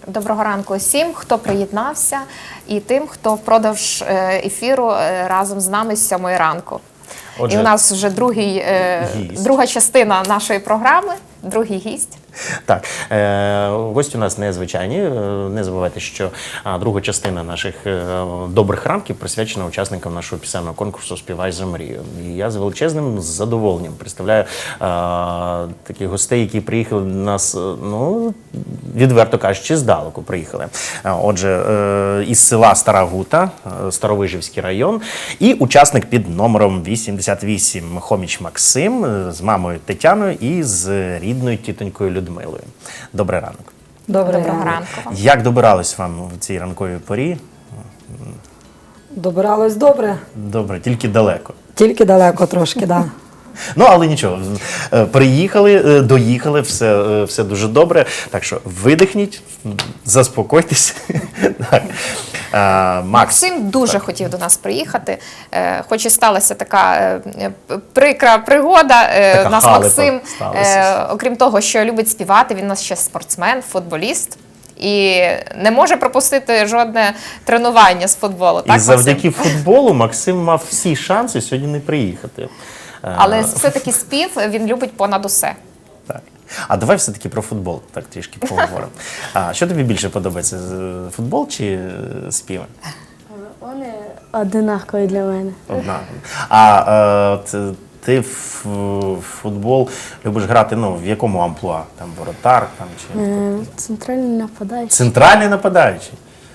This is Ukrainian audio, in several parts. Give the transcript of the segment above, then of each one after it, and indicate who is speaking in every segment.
Speaker 1: Доброго ранку усім, хто приєднався, і тим, хто впродовж ефіру разом з нами з 7 ранку.
Speaker 2: Отже,
Speaker 1: і у нас вже друга частина нашої програми, другий гість.
Speaker 2: Так, гості у нас незвичайні. Не забувайте, що друга частина наших добрих ранків присвячена учасникам нашого пісенного конкурсу «Співай за мрію». І я з величезним задоволенням представляю таких гостей, які приїхали до нас, ну, відверто кажучи, здалеку приїхали. Отже, із села Стара Гута, Старовижівський район, і учасник під номером 88 Хоміч Максим з мамою Тетяною і з рідною тітонькою Людмилою. Добрий ранок.
Speaker 1: Доброго ранку.
Speaker 2: Як добирались вам в цій ранковій порі?
Speaker 3: Добиралось добре.
Speaker 2: Добре, тільки далеко.
Speaker 3: Тільки далеко трошки, так. Да.
Speaker 2: Ну, але нічого, приїхали, доїхали, все дуже добре. Так що видихніть, заспокойтесь. Так.
Speaker 1: Максим дуже хотів до нас приїхати, хоч і сталася така прикра пригода. У нас Максим, окрім того, що любить співати, він у нас ще спортсмен, футболіст. І не може пропустити жодне тренування з футболу.
Speaker 2: І завдяки футболу Максим мав всі шанси сьогодні не приїхати.
Speaker 1: Але все-таки спів він любить понад усе.
Speaker 2: Так. А давай все-таки про футбол так трішки поговоримо. Що тобі більше подобається, футбол чи співи?
Speaker 4: Вони однакові для мене.
Speaker 2: Однакові. Ти в футбол любиш грати, ну, в якому амплуа? Там воротар, там чи...
Speaker 4: Центральний нападаючий.
Speaker 2: Центральний нападаючий?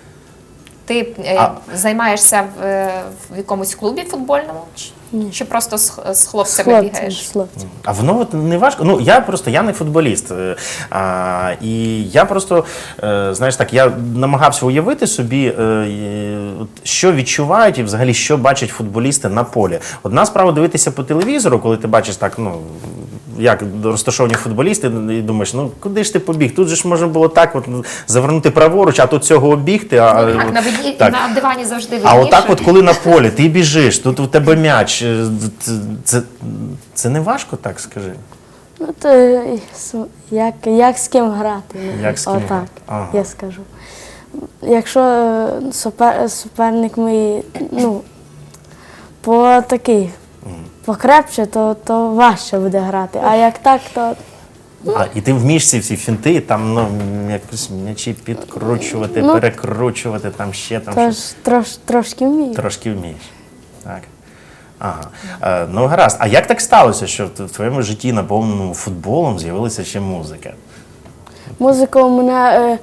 Speaker 1: Ти займаєшся в якомусь клубі футбольному? Чи просто з хлопцями бігаєш?
Speaker 4: З хлопцями.
Speaker 2: А воно не важко? Ну, я не футболіст. І я просто, знаєш так, я намагався уявити собі, що відчувають і взагалі, що бачать футболісти на полі. Одна справа дивитися по телевізору, коли ти бачиш так, ну, як розташовані футболісти, і думаєш, ну, куди ж ти побіг? Тут же ж можна було так от завернути праворуч, а тут цього обігти.
Speaker 1: На дивані завжди видніше.
Speaker 2: А отак от, коли на полі, ти біжиш, тут у тебе м'яч, це не важко, так скажи?
Speaker 4: Ну, то як з ким грати.
Speaker 2: Як з ким
Speaker 4: Отак,
Speaker 2: грати? Ага.
Speaker 4: я скажу. Якщо суперник мій, ну, покрепче, то важче буде грати. А як так, то...
Speaker 2: І ти вмієш ці всі фінти, там, ну, якось м'ячі підкручувати, перекручувати, там ще там щось.
Speaker 4: Трошки вмію.
Speaker 2: Трошки вмієш. Так. Ага. Ну, гаразд. А як так сталося, що в твоєму житті, наповненому футболом, з'явилася ще музика?
Speaker 4: Музика у мене,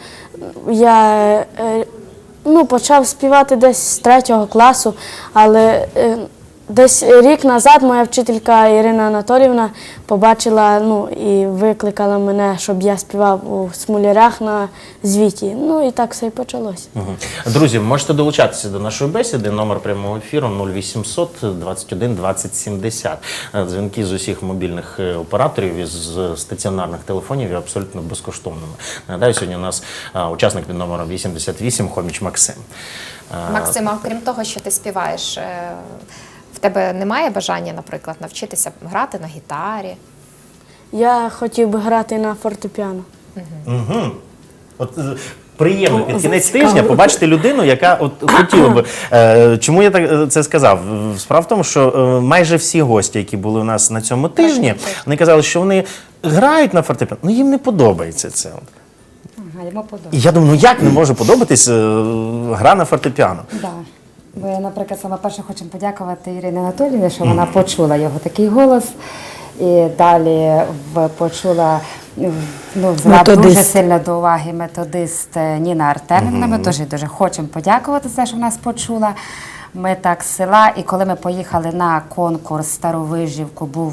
Speaker 4: я почав співати десь з 3 класу, але десь рік назад моя вчителька Ірина Анатоліївна побачила, і викликала мене, щоб я співав у Смолярях на звіті. Ну і так все і почалося.
Speaker 2: Друзі, можете долучатися до нашої бесіди. Номер прямого ефіру 0800 21 20 70. Дзвінки з усіх мобільних операторів і з стаціонарних телефонів є абсолютно безкоштовними. Нагадаю, сьогодні у нас учасник під номером 88 Хоміч Максим.
Speaker 1: Максим, окрім того, що ти співаєш, в тебе немає бажання, наприклад, навчитися грати на гітарі?
Speaker 4: Я хотів би грати на фортепіано.
Speaker 2: От приємно під кінець тижня побачити людину, яка от хотіла би. Чому я так це сказав? Справа в тому, що майже всі гості, які були у нас на цьому тижні, вони казали, що вони грають на фортепіано, але їм не подобається це.
Speaker 5: Йому подобається.
Speaker 2: І я думаю, ну як не може подобатись гра на фортепіано?
Speaker 5: Да. Бо, наприклад, саме перше хочемо подякувати Ірині Анатоліївні, що вона почула його такий голос. І далі почула, взяла дуже сильно до уваги методист Ніна Артемівна. Ми теж дуже хочемо подякувати за те, що нас почула. Ми так з села, і коли ми поїхали на конкурс Старовижівку, був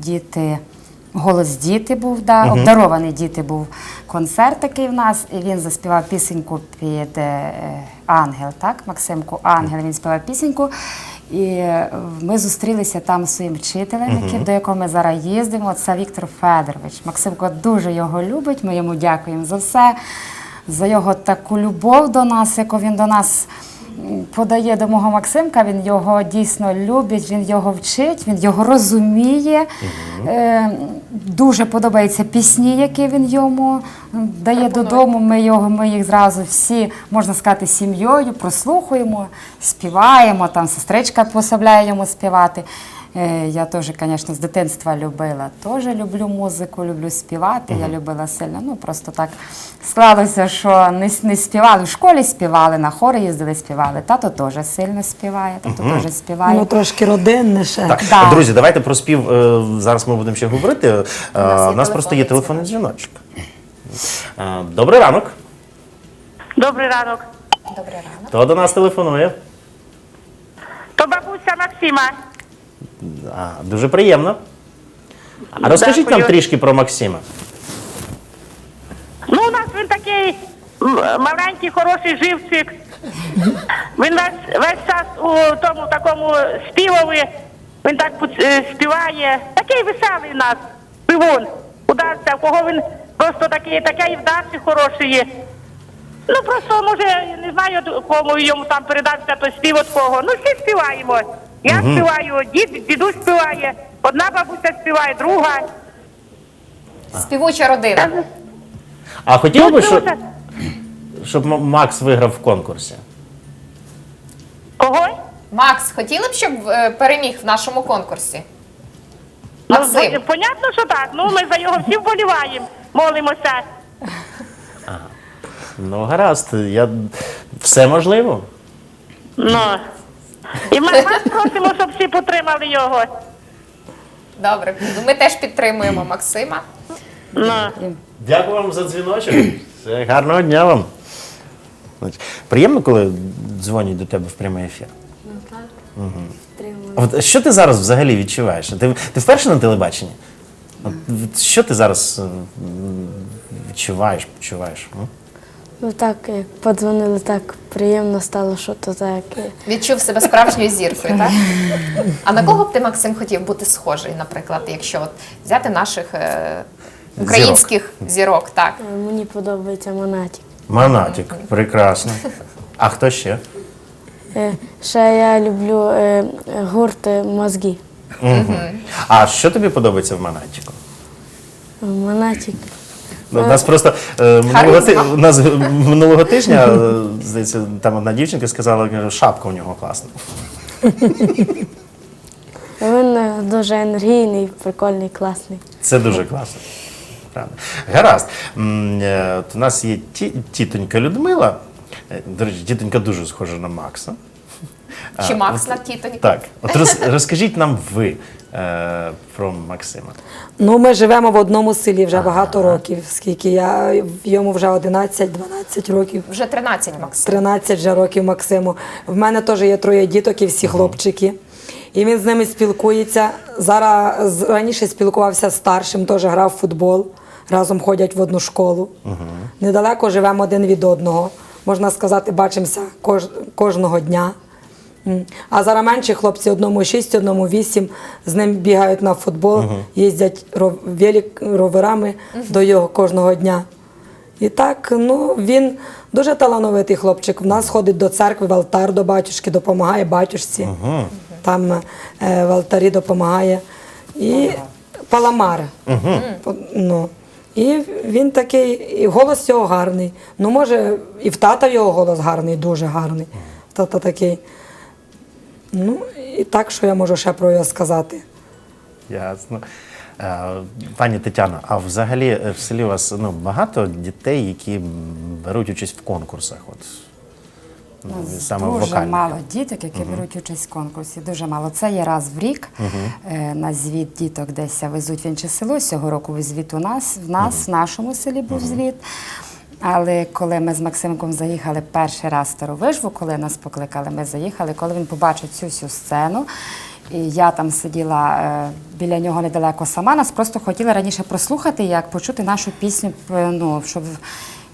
Speaker 5: «Голос діти» був, обдарований діти був концерт такий в нас, і він заспівав пісеньку під «Ангел», так, Максимку «Ангел», він співав пісеньку, і ми зустрілися там з своїм вчителем, до якого ми зараз їздимо, це Віктор Федорович. Максимко дуже його любить, ми йому дякуємо за все, за його таку любов до нас, яку він до нас подає до мого Максимка, він його дійсно любить, він його вчить, він його розуміє. Дуже подобаються пісні, які він йому дає додому. Ми їх зразу всі, можна сказати, сім'єю прослухаємо, співаємо, там сестричка пособляє йому співати. Я теж, звісно, з дитинства любила. Теж люблю музику, люблю співати. Я любила сильно. Ну, просто так склалося, що не співали. В школі співали, на хори їздили, співали. Тато теж сильно співає, тато теж співає.
Speaker 3: Ну, трошки родинне ще.
Speaker 2: Так,
Speaker 5: Да.
Speaker 2: друзі, давайте про спів зараз ми будемо ще говорити. У нас просто є телефонний дзвіночок. Добрий ранок.
Speaker 6: Добрий ранок.
Speaker 1: Добрий ранок.
Speaker 2: Хто до нас телефонує?
Speaker 6: То бабуся Максима.
Speaker 2: Дуже приємно. А розкажіть нам
Speaker 6: Дякую.
Speaker 2: трішки про Максима.
Speaker 6: Ну, у нас він такий маленький, хороший живчик. Він весь час у тому такому співові. Він так співає. Такий веселий у нас співун. Удався, у кого він просто такий вдався хороший є. Ну, просто, може, не знаю, кому йому там передався той спів від кого. Ну, всі співаємо. Я співаю, дідусь співає, одна бабуся співає, друга.
Speaker 1: Співуча родина.
Speaker 2: А хотів би,
Speaker 6: дуже.
Speaker 2: щоб Макс виграв в конкурсі?
Speaker 6: Кого?
Speaker 1: Макс, хотіли б, щоб переміг в нашому конкурсі?
Speaker 6: Ну,
Speaker 1: Максим.
Speaker 6: понятно, що так. Ну, ми за його всі вболіваємо, молимося.
Speaker 2: Ну, гаразд, все можливо.
Speaker 6: Ну. І ми вас просимо, щоб всі підтримали його.
Speaker 1: Добре, ми теж підтримуємо Максима.
Speaker 6: Ну.
Speaker 2: Дякую вам за дзвіночок. Все, гарного дня вам. Приємно, коли дзвонять до тебе в прямий ефір? От що ти зараз взагалі відчуваєш? Ти вперше на телебаченні? От що ти зараз відчуваєш, почуваєш?
Speaker 4: Ну так, як подзвонили, так приємно стало, що то так.
Speaker 1: Відчув себе справжньою зіркою, так? А на кого б ти, Максим, хотів бути схожий, наприклад, якщо от взяти наших українських зірок, так?
Speaker 4: Мені подобається Монатік.
Speaker 2: Монатік, прекрасно. А хто ще?
Speaker 4: Ще я люблю гурт «Мозги».
Speaker 2: А що тобі подобається в Монатіку?
Speaker 4: Монатік.
Speaker 2: У нас просто минулого тижня, здається, там одна дівчинка сказала, каже, шапка у нього класна.
Speaker 4: Він дуже енергійний, прикольний, класний.
Speaker 2: Це дуже класно. Правда. Гаразд. От у нас є тітонька Людмила. До речі, тітонька дуже схожа на Макса.
Speaker 1: Чи Макс на тітоньку?
Speaker 2: Так. От розкажіть нам ви про Максима.
Speaker 3: Ну, ми живемо в одному селі вже багато років, скільки я йому вже 11-12 років.
Speaker 1: Вже 13, Максим.
Speaker 3: 13 вже років Максиму. В мене теж є 3 діток і всі хлопчики. І він з ними спілкується. Зараз раніше спілкувався з старшим, теж грав в футбол. Разом ходять в одну школу. Недалеко живемо один від одного. Можна сказати, бачимося кожного дня. А зараз менші хлопці, одному 6, одному 8, з ним бігають на футбол, їздять роверами до його кожного дня. І так, ну, він дуже талановитий хлопчик. В нас ходить до церкви, в алтар до батюшки, допомагає батюшці. Там в алтарі допомагає. І паламари. Ну. І він такий, і голос його гарний. Ну, може, і в тата його голос гарний, дуже гарний. Тата такий. Ну, і так, що я можу ще про його сказати.
Speaker 2: Ясно. Пані Тетяно, а взагалі в селі у вас багато дітей, які беруть участь в конкурсах? От, саме
Speaker 5: Дуже
Speaker 2: вокальних?
Speaker 5: мало діток, які беруть участь в конкурсі. Дуже мало. Це є раз в рік. На звіт діток десь везуть в інше село. Цього року звіт у нас, в нашому селі був звіт. Але коли ми з Максимком заїхали перший раз в Старовижву, коли нас покликали, ми заїхали, коли він побачив цю всю сцену, і я там сиділа біля нього недалеко сама, нас просто хотіли раніше прослухати, як почути нашу пісню, ну, щоб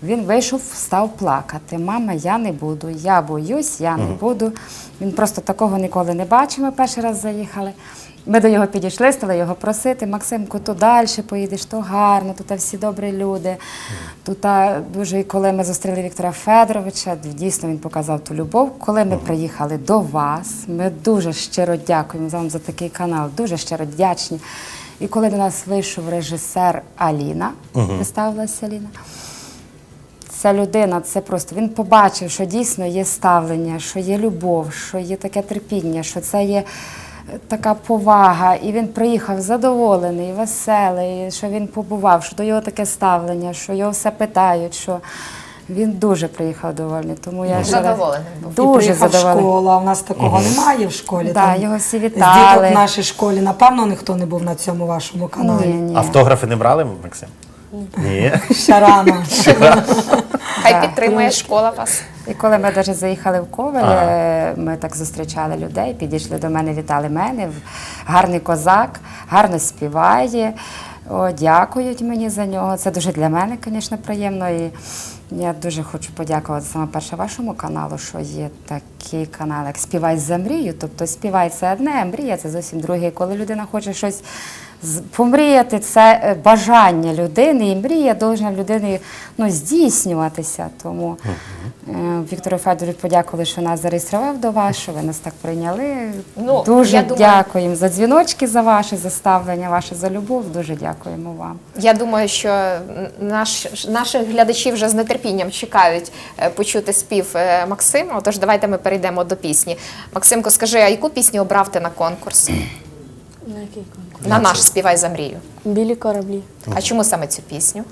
Speaker 5: Він вийшов, став плакати. Мама, я не буду, я боюсь, я не буду. Він просто такого ніколи не бачив, ми перший раз заїхали. Ми до його підійшли, стали його просити: Максимку, то далі поїдеш, то гарно, тут всі добрі люди. Тут дуже, і коли ми зустріли Віктора Федоровича, дійсно він показав ту любов. Коли ми приїхали до вас, ми дуже щиро дякуємо вам за такий канал, дуже щиро вдячні. І коли до нас вийшов режисер Аліна, представилася Аліна, ця людина, це просто, він побачив, що дійсно є ставлення, що є любов, що є таке терпіння, що це є така повага. І він приїхав задоволений, веселий, що він побував, що до його таке ставлення, що його все питають, що він дуже приїхав довольний. Тому я
Speaker 1: Задоволений був.
Speaker 3: І
Speaker 5: дуже
Speaker 3: приїхав в
Speaker 5: задоволений.
Speaker 3: школу, а в нас такого немає в школі.
Speaker 5: Да,
Speaker 3: Там
Speaker 5: його всі
Speaker 3: з
Speaker 5: вітали.
Speaker 3: діток в нашій школі, напевно, ніхто не був на цьому вашому каналі.
Speaker 5: Ні.
Speaker 2: Автографи не брали, Максим? Ні.
Speaker 3: Ще рано.
Speaker 1: Хай підтримує школа вас.
Speaker 5: І коли ми навіть заїхали в Ковель, ми так зустрічали людей, підійшли до мене, вітали мене. Гарний козак, гарно співає. Дякують мені за нього. Це дуже для мене, звісно, приємно. І я дуже хочу подякувати саме перше вашому каналу, що є такий канал, як «Співай за мрію». Тобто співай – це одне, а мрія – це зовсім друге. І коли людина хоче щось помріяти, це бажання людини, і мрія повинна в людини здійснюватися. Тому Віктору Федоровичу подякували, що нас зареєстрував до вас, що ви нас так прийняли.
Speaker 1: Ну,
Speaker 5: Дуже
Speaker 1: я думаю-
Speaker 5: дякуємо за дзвіночки, за ваше, за ставлення, ваше за любов. Дуже дякуємо вам.
Speaker 1: Я думаю, що наші глядачі вже з нетерпінням чекають почути спів Максима. Тож давайте ми перейдемо до пісні. Максимко, скажи, а яку пісню обрав ти на конкурс?
Speaker 4: На який конкурс?
Speaker 1: На наш «Співай за мрію».
Speaker 4: Білі кораблі.
Speaker 1: А чому саме цю пісню?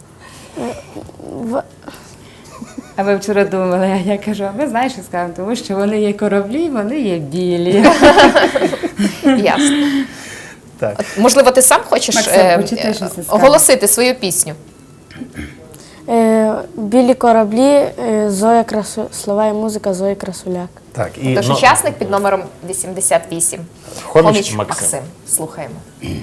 Speaker 5: А ви вчора думали, а я кажу, а ви знаєш, що скажемо, тому що вони є кораблі, вони є білі.
Speaker 1: Ясно.
Speaker 2: Так.
Speaker 1: От, можливо, ти сам хочеш
Speaker 5: Максим, хочете щось сказати?
Speaker 1: оголосити свою пісню?
Speaker 4: Білі кораблі, слова і музика Зої Красуляк.
Speaker 2: Так, і,
Speaker 1: Тож учасник під номером 88.
Speaker 2: Хоміч Максим.
Speaker 1: Слухаємо.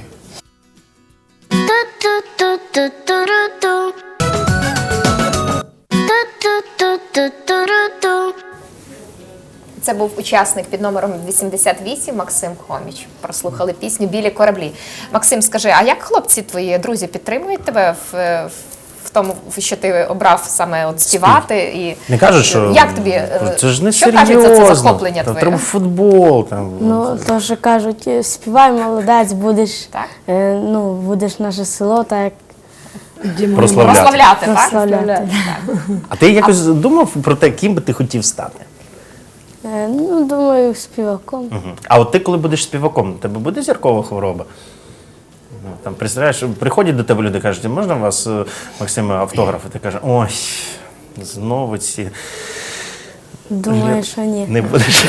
Speaker 1: Це був учасник під номером 88 Максим Хоміч. Прослухали пісню «Білі кораблі». Максим, скажи, а як хлопці твої друзі підтримують тебе в тому, що ти обрав саме от співати? І
Speaker 2: не кажуть, що
Speaker 1: як тобі,
Speaker 2: це ж не
Speaker 1: що
Speaker 2: серйозно.
Speaker 1: кажуть за це захоплення твоє?
Speaker 2: Треба футбол. Там.
Speaker 4: Ну, то, що кажуть, співай, молодець, будеш,
Speaker 1: Так?
Speaker 4: будеш наше село, так як
Speaker 2: Прославляти.
Speaker 1: Прославляти, так?
Speaker 4: прославляти.
Speaker 2: А ти якось думав про те, ким би ти хотів стати?
Speaker 4: Думаю, співаком.
Speaker 2: Мгм. А от ти, коли будеш співаком, у тебе буде зіркова хвороба? Ну, там, представляєш, приходять до тебе люди, кажуть, можна у вас, Максиме, автограф? І ти кажеш, ой, знову ці...
Speaker 4: Думаю, що ні.
Speaker 2: Не будеш.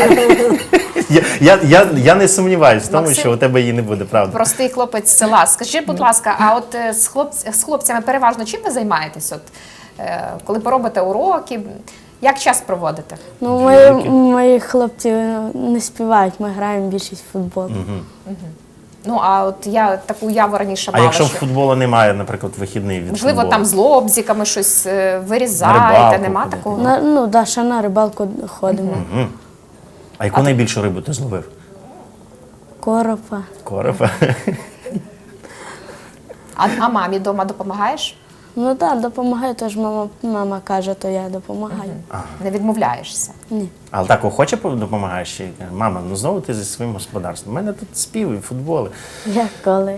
Speaker 2: Я не сумніваюся в тому,
Speaker 1: Максим,
Speaker 2: що у тебе її не буде, правда.
Speaker 1: Простий хлопець з села. Скажи, будь ласка, а от з хлопцями переважно чим ви займаєтесь? От, коли поробите уроки, як час проводите?
Speaker 4: Ну, мої хлопці не співають, ми граємо більшість в футбол.
Speaker 1: Ну, а от я таку уяву раніше
Speaker 2: А
Speaker 1: мала,
Speaker 2: якщо
Speaker 1: що,
Speaker 2: футболу немає, наприклад, вихідний від
Speaker 1: можливо,
Speaker 2: футболу?
Speaker 1: там з лобзиками щось
Speaker 2: На
Speaker 1: вирізаєте,
Speaker 2: рибалку
Speaker 1: нема
Speaker 2: ходите.
Speaker 1: такого?
Speaker 4: Ще на рибалку ходимо.
Speaker 2: А яку найбільшу рибу ти зловив?
Speaker 4: Коропа.
Speaker 2: Коропа?
Speaker 1: А мамі вдома допомагаєш?
Speaker 4: Ну так, допомагаю, тож мама каже, то я допомагаю.
Speaker 1: Не відмовляєшся?
Speaker 4: Ні.
Speaker 2: Але так охоче допомагаєш? Чи, мама, ну знову ти зі своїм господарством. У мене тут співи, футболи.
Speaker 4: Як коли.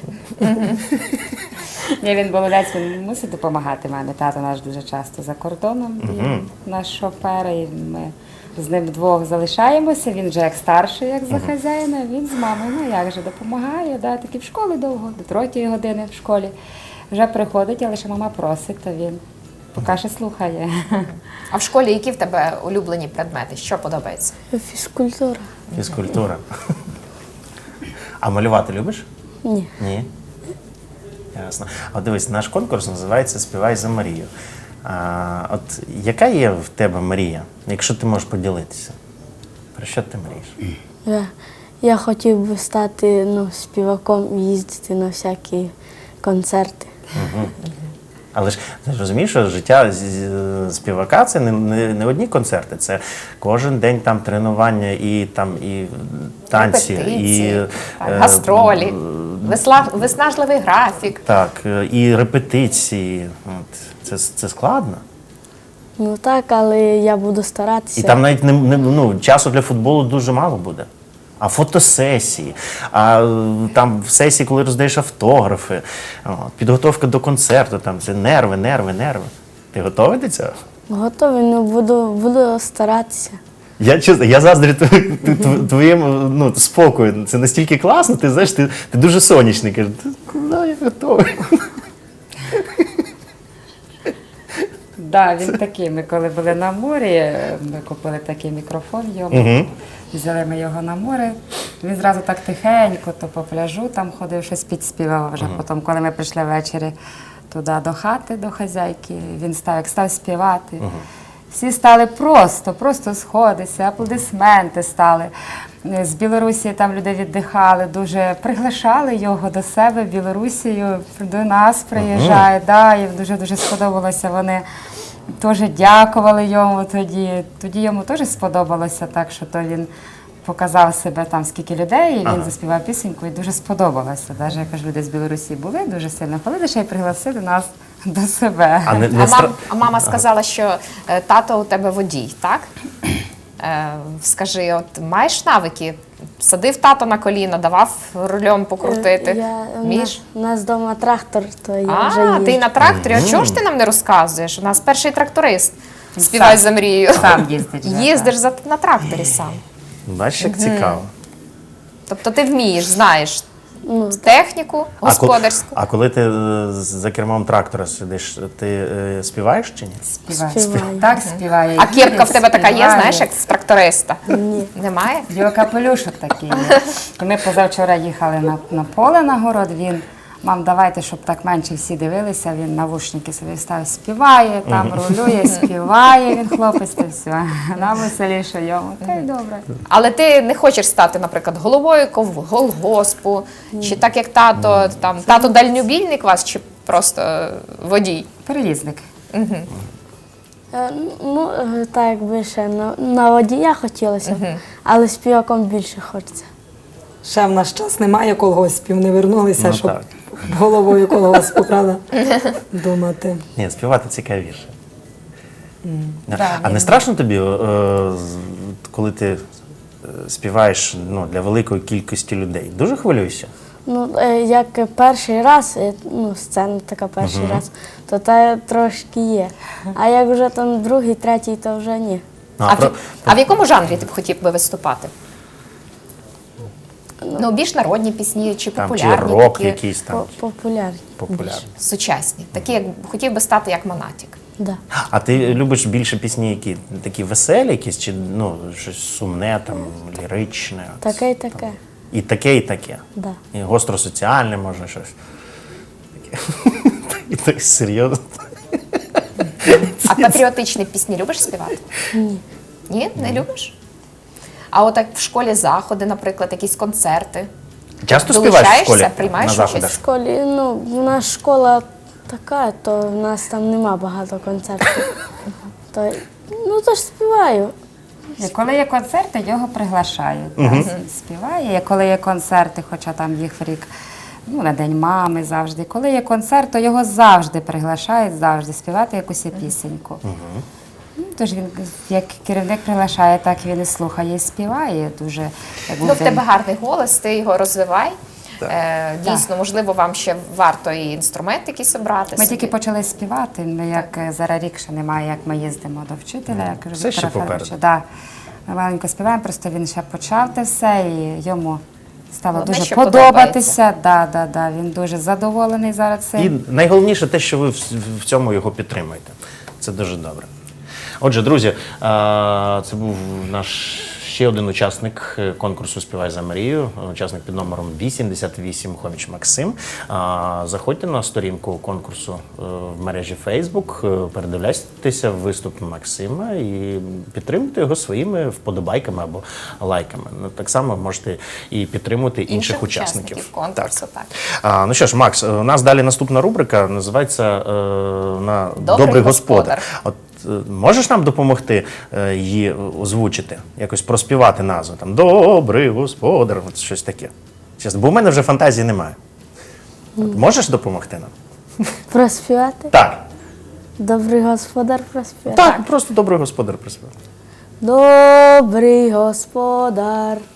Speaker 5: Ні, він молодець, він мусить допомагати мамі. Тато наш дуже часто за кордоном, і наш шофер, і ми з ним вдвох залишаємося. Він вже як старший, як за хазяїна, він з мамою, ну як же, допомагає, да, таки в школі довго, до 3-ї години в школі. Вже приходить, але ще мама просить, то він поки що слухає.
Speaker 1: А в школі які в тебе улюблені предмети? Що подобається?
Speaker 4: Фізкультура.
Speaker 2: Фізкультура. А малювати любиш?
Speaker 4: Ні.
Speaker 2: Ні? Ясно. От дивись, наш конкурс називається «Співай за Марію». От яка є в тебе мрія, якщо ти можеш поділитися? Про що ти мрієш?
Speaker 4: Я хотів би стати співаком і їздити на всякі концерти.
Speaker 2: Але ж ти ж розумієш, що життя співака це не одні концерти, це кожен день там тренування і танці,
Speaker 1: Репетиції, гастролі, виснажливий графік.
Speaker 2: Так, і репетиції. Це складно.
Speaker 4: Ну так, але я буду старатися.
Speaker 2: І там навіть часу для футболу дуже мало буде. А фотосесії, а там в сесії, коли роздаєш автографи, підготовка до концерту, там це нерви. Ти готовий до цього?
Speaker 4: Готовий, ну буду старатися.
Speaker 2: Я заздрю твоєму спокою. Це настільки класно, ти знаєш, ти дуже сонячний. Кажеш, я готовий.
Speaker 5: Да, він такий. Ми коли були на морі, ми купили такий мікрофон йому, взяли ми його на море. Він зразу так тихенько, то по пляжу там ходив, щось підспівав. Вже потім, коли ми прийшли ввечері туди до хати, до хазяйки, він став співати. Всі стали просто сходитися, аплодисменти стали. З Білорусі там люди віддихали, дуже приглашали його до себе в Білорусію, до нас приїжджає, да, і дуже сподобалося. Вони теж дякували йому тоді. Тоді йому теж сподобалося так, що то він показав себе там скільки людей, і він заспівав пісеньку, і дуже сподобалося. Навіть, я кажу, люди з Білорусі були, дуже сильно хвалили, ще й пригласили нас до себе.
Speaker 1: А мама сказала, що тато у тебе водій, так? Скажи, от маєш навики? Садив тато на коліно, давав рулем покрутити?
Speaker 4: У нас вдома трактор, то я вже їжджу.
Speaker 1: Ти на тракторі? А чого ж ти нам не розказуєш? У нас перший тракторист. Співай за мрію.
Speaker 5: Сам їздить.
Speaker 1: Їздиш на тракторі сам.
Speaker 2: Бачиш, як цікаво.
Speaker 1: Тобто ти вмієш, знаєш техніку господарську.
Speaker 2: А коли ти за кермом трактора сидиш, ти співаєш чи ні?
Speaker 5: Співає. Так співає.
Speaker 1: А кепка в тебе така є, знаєш, як з тракториста?
Speaker 4: Ні.
Speaker 1: Немає?
Speaker 5: Його капелюшок такий. Ми позавчора їхали на поле на город, він, мам, давайте, щоб так менше всі дивилися, він навушники собі став, співає, там рулює, співає, він хлопець, то все. Нам веселіше йому, та й добре.
Speaker 1: Але ти не хочеш стати, наприклад, головою колгоспу, чи так як тато, там, тато дальнобійник вас, чи просто водій?
Speaker 5: Перевізник.
Speaker 4: Ну, так якби ще на водія хотілося, але співаком більше хочеться.
Speaker 3: Ще в наш час немає колгоспів, не вернулися, щоб
Speaker 2: так.
Speaker 3: головою колгоспу, правда, думати.
Speaker 2: Ні, співати цікавіше. А не страшно тобі, коли ти співаєш для великої кількості людей? Дуже хвилюєшся?
Speaker 4: Ну, як перший раз, сцена така перший раз, то та трошки є. А як вже там другий, третій, то вже ні.
Speaker 1: А в якому жанрі ти б хотів би виступати? Ну, більш народні пісні, чи
Speaker 2: Там,
Speaker 1: популярні?
Speaker 2: чи рок
Speaker 1: такі,
Speaker 2: якийсь там?
Speaker 4: Популярні.
Speaker 2: Популярні.
Speaker 1: сучасні. Такі, як хотів би стати як Монатік.
Speaker 4: Да.
Speaker 2: А ти любиш більше пісні, які такі веселі якісь, чи щось сумне, там, ліричне?
Speaker 4: Таке і таке.
Speaker 2: І таке, і таке?
Speaker 4: Да.
Speaker 2: І гостросоціальне, може, щось таке. І так серйозно.
Speaker 1: А патріотичні пісні любиш співати?
Speaker 4: Ні.
Speaker 1: Ні? Не любиш? А от так в школі заходи, наприклад, якісь концерти?
Speaker 2: Часто співаєш в
Speaker 1: Долучаєшся,
Speaker 2: школі?
Speaker 1: приймаєш
Speaker 2: на
Speaker 1: участь?
Speaker 2: заходах?
Speaker 4: В школі, в нас школа така, то в нас там нема багато концертів. То ж співаю.
Speaker 5: І коли є концерти, його приглашають. Так, співає. І коли є концерти, хоча там їх в рік, на День мами завжди. Коли є концерт, то його завжди приглашають, завжди співати якусь пісеньку. Тож він, як керівник приглашає, так він і слухає, і співає. Дуже,
Speaker 1: В тебе гарний голос, ти його розвивай. Дійсно, можливо, вам ще варто і інструмент якийсь обрати.
Speaker 5: Ми тільки почали співати, як зараз рік ще немає, як ми їздимо до вчителя. Я кажу,
Speaker 2: Все ще
Speaker 5: Віктора
Speaker 2: попереду.
Speaker 5: Федоровича, ми маленько співаємо, просто він ще почав те все, і йому стало
Speaker 1: Головне,
Speaker 5: дуже
Speaker 1: що
Speaker 5: подобатися. Да, він дуже задоволений зараз
Speaker 2: І
Speaker 5: цим.
Speaker 2: найголовніше те, що ви в цьому його підтримуєте. Це дуже добре. Отже, друзі, це був наш ще один учасник конкурсу «Співай за Марію», учасник під номером 88 Хоміч Максим. Заходьте на сторінку конкурсу в мережі Facebook, передивляйтеся виступ Максима і підтримуйте його своїми вподобайками або лайками. Так само можете і підтримувати інших учасників
Speaker 1: конкурсу. Так.
Speaker 2: Ну що ж, Макс, у нас далі наступна рубрика, називається «Добрий господар». От можеш нам допомогти її озвучити, якось проспівати назву? Там «Добрий господар», от щось таке. Чесно, бо в мене вже фантазії немає. От, можеш допомогти нам?
Speaker 4: Проспівати?
Speaker 2: Так.
Speaker 4: Добрий господар проспівати.
Speaker 2: Так, просто «Добрий господар» проспівати.
Speaker 4: Добрий господар